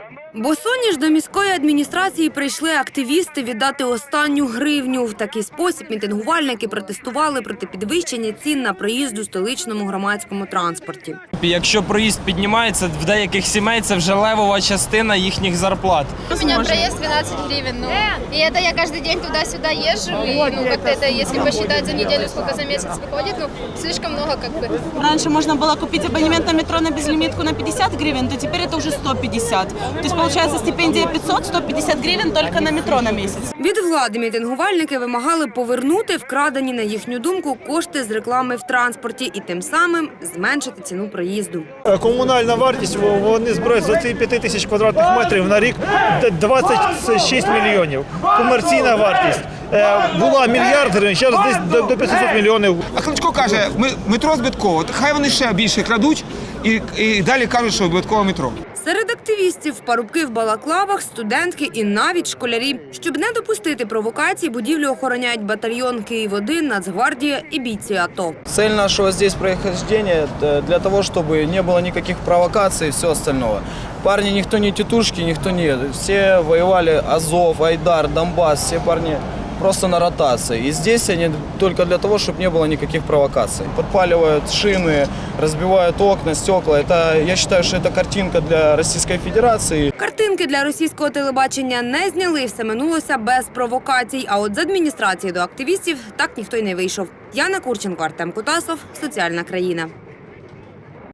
Босоніж до міської адміністрації прийшли активісти віддати останню гривню. В такий спосіб мітингувальники протестували проти підвищення цін на проїзд у столичному громадському транспорті. Якщо проїзд піднімається, в деяких сімей це вже левова частина їхніх зарплат. У меня проезд 12 гривен, и это я каждый день туда-сюда езжу, и как-то это, если посчитать за неделю, сколько за месяц выходит, слишком много как бы. Раньше можно было купить абонемент на метро на безлимитку на 50 гривен, то теперь это уже 150. То есть получается стипендия 500, 150 гривен только на метро на месяц. Від влади мітингувальники вимагали повернути вкрадені, на їхню думку, кошти з реклами в транспорті і тим самим зменшити ціну проїзду. Комунальна вартість, вони збирають за 5 тисяч квадратних метрів на рік 26 мільйонів. Комерційна вартість була мільярд гривень, зараз десь до 500 мільйонів. А Кличко каже, метро збитково, хай вони ще більше крадуть і далі кажуть, що збиткове метро. Серед активістів – парубки в балаклавах, студентки і навіть школярі. Щоб не допустити провокацій, будівлю охороняють батальйон «Київ-1», Нацгвардія і бійці АТО. Цель нашего здесь прохождения для того, чтобы не было никаких провокаций и всего остального. Парни никто не тетушки, никто не... Все воевали Азов, Айдар, Донбасс, все парни просто на ротации. И здесь они только для того, чтобы не было никаких провокаций. Подпаливают шины, разбивают окна, стекла. Я считаю, что это картинка для Российской Федерации. Картинки для російського телебачення не зняли, все минулося без провокацій. А от з адміністрації до активістів так ніхто й не вийшов. Яна Курченко, Артем Кутасов, «Соціальна країна».